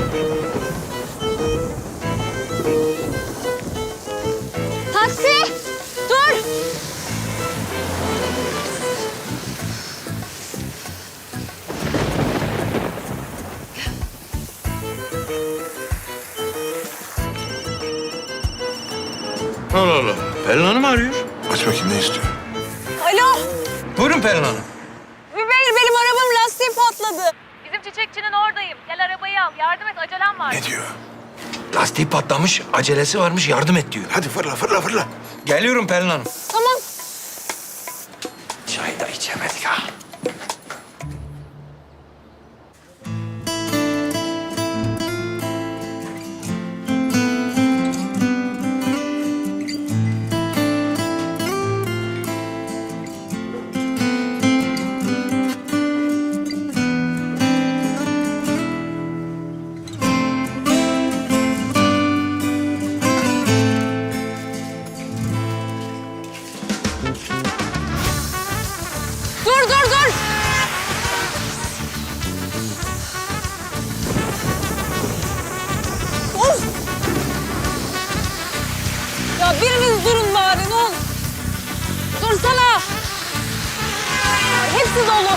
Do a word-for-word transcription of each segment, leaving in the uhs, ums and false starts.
Taksi! Dur! Allah Allah. Pelin Hanım arıyor. Aç bakayım ne istiyor? Alo! Buyurun Pelin Hanım. Zübeyir, benim arabamın lastiği patladı. Bizim çiçekçinin oradayım. Gel arabayı al. Yardım et, acelem var. Ne diyor? Lastiği patlamış, acelesi varmış, yardım et diyor. Hadi fırla fırla fırla. Geliyorum Pelin Hanım. Tamam. Çay da içemedik ha. Dur, dur, dur! Of! Ya biriniz durun bari, ne olur. Dursana! Hepsi dolu.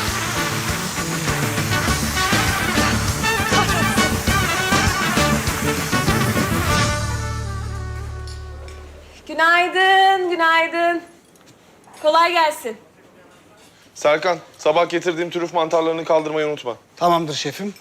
Günaydın, günaydın. Kolay gelsin. Serkan, sabah getirdiğim trüf mantarlarını kaldırmayı unutma. Tamamdır şefim.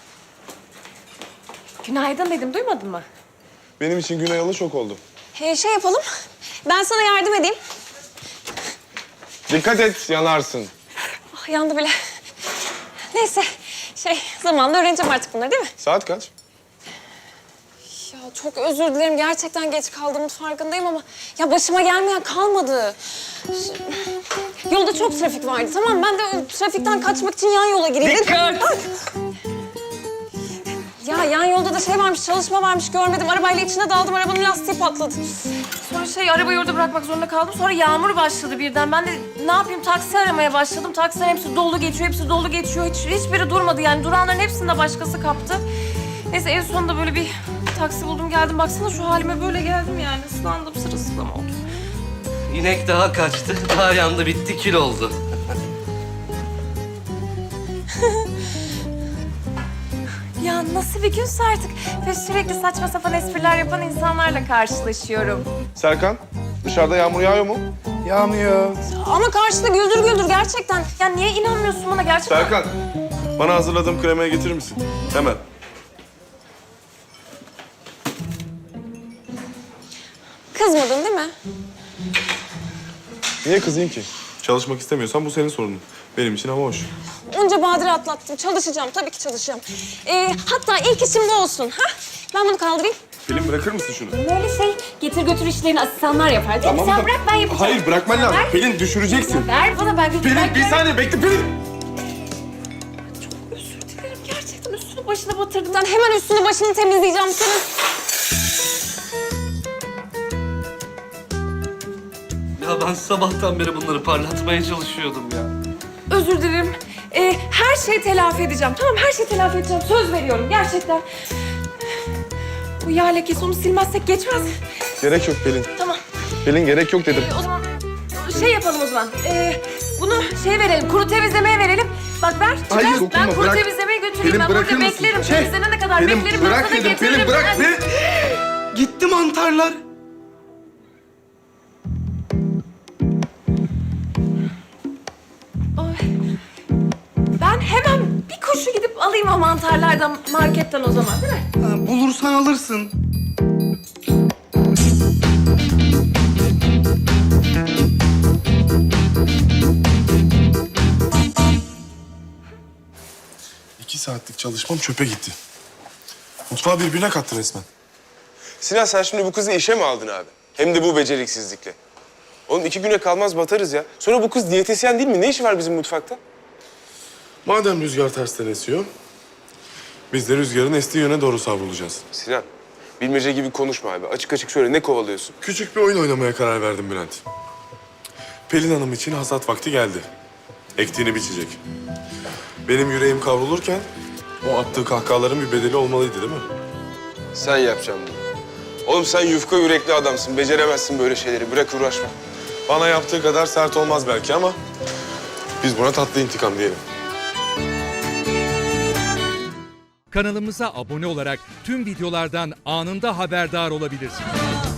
Günaydın dedim, duymadın mı? Benim için Güney Yalı şok oldu. Ee, şey yapalım, ben sana yardım edeyim. Dikkat et, yanarsın. Ah, yandı bile. Neyse, şey zamanla öğreneceğim artık bunları değil mi? Saat kaç? Ya çok özür dilerim, gerçekten geç kaldığımın farkındayım ama... ...ya başıma gelmeyen kalmadı. Ş- Yolda çok trafik vardı, tamam. Ben de o trafikten kaçmak için yan yola gireyim. Dikkat! Ya yan yolda da şey varmış, çalışma varmış, görmedim. Arabayla içine daldım, arabanın lastiği patladı. Sonra şey arabayı orada bırakmak zorunda kaldım. Sonra yağmur başladı birden. Ben de ne yapayım taksi aramaya başladım. Taksilerin hepsi dolu geçiyor, hepsi dolu geçiyor. Hiç, hiçbiri durmadı yani. Duranların hepsini de başkası kaptı. Neyse en sonunda böyle bir taksi buldum geldim. Baksana şu halime böyle geldim yani. Islandım, sırılsıklam oldum. İnek daha kaçtı, daha yandı, bitti, kül oldu. Ya nasıl bir günse artık. Ve sürekli saçma sapan espriler yapan insanlarla karşılaşıyorum. Serkan, dışarıda yağmur yağıyor mu? Yağmıyor. Ama karşıda güldür güldür gerçekten. Ya niye inanmıyorsun bana gerçekten? Serkan, bana hazırladığım kremayı getirir misin? Hemen. Kızmadın değil mi? Niye kızayım ki? Çalışmak istemiyorsan bu senin sorunun. Benim için hava hoş. Onca badire atlattım. Çalışacağım. Tabii ki çalışacağım. Ee, hatta ilk işim bu olsun. Ha? Ben bunu kaldırayım. Pelin bırakır mısın şunu? Böyle şey getir götür işlerini asistanlar yapar değil mi? Sen da- bırak ben yapacağım. Hayır, bırakman lazım. Ver. Pelin düşüreceksin. Ver bana ben götür. Pelin, bir saniye bekle Pelin. Özür dilerim gerçekten üstünü başına batırdım. Ben hemen üstünü başını temizleyeceğim senin. Ya ben sabahtan beri bunları parlatmaya çalışıyordum ya. Özür dilerim. Ee, her şeyi telafi edeceğim. Tamam her şeyi telafi edeceğim. Söz veriyorum gerçekten. Bu yağ lekesi onu silmezsek geçmez. Gerek yok Pelin. Tamam. Pelin gerek yok dedim. Ee, o zaman şey yapalım o zaman. Ee, bunu şey verelim, kuru temizlemeye verelim. Bak ver, çıkar. Hayır, Ben dokunma, kuru bırak. temizlemeye götüreyim. Pelin, ben burada bırakır mısın? beklerim. Şey, Temizlenene kadar Pelin, beklerim. ben bırak sana dedim. getiririm. Pelin, bırak. Hadi. Pelin. Gitti mantarlar. Ay. Ben hemen bir koşu gidip alayım o mantarlardan marketten o zaman değil mi? Ha, bulursan alırsın. İki saatlik çalışmam çöpe gitti. Mutfağı birbirine kattı resmen. Sinan sen şimdi bu kızı işe mi aldın abi? Hem de bu beceriksizlikle. Oğlum iki güne kalmaz batarız ya. Sonra bu kız diyetisyen değil mi? Ne işi var bizim mutfakta? Madem rüzgar tersten esiyor, biz de rüzgarın estiği yöne doğru savrulacağız. Sinan, bilmece gibi konuşma abi. Açık açık söyle, ne kovalıyorsun? Küçük bir oyun oynamaya karar verdim Bülent. Pelin Hanım için hasat vakti geldi. Ektiğini biçecek. Benim yüreğim kavrulurken O attığı kahkahaların bir bedeli olmalıydı değil mi? Sen yapacaksın bunu. Oğlum sen yufka yürekli adamsın. Beceremezsin böyle şeyleri. Bırak uğraşma. Bana yaptığı kadar sert olmaz belki ama biz buna tatlı intikam diyelim. Kanalımıza abone olarak tüm videolardan anında haberdar olabilirsiniz.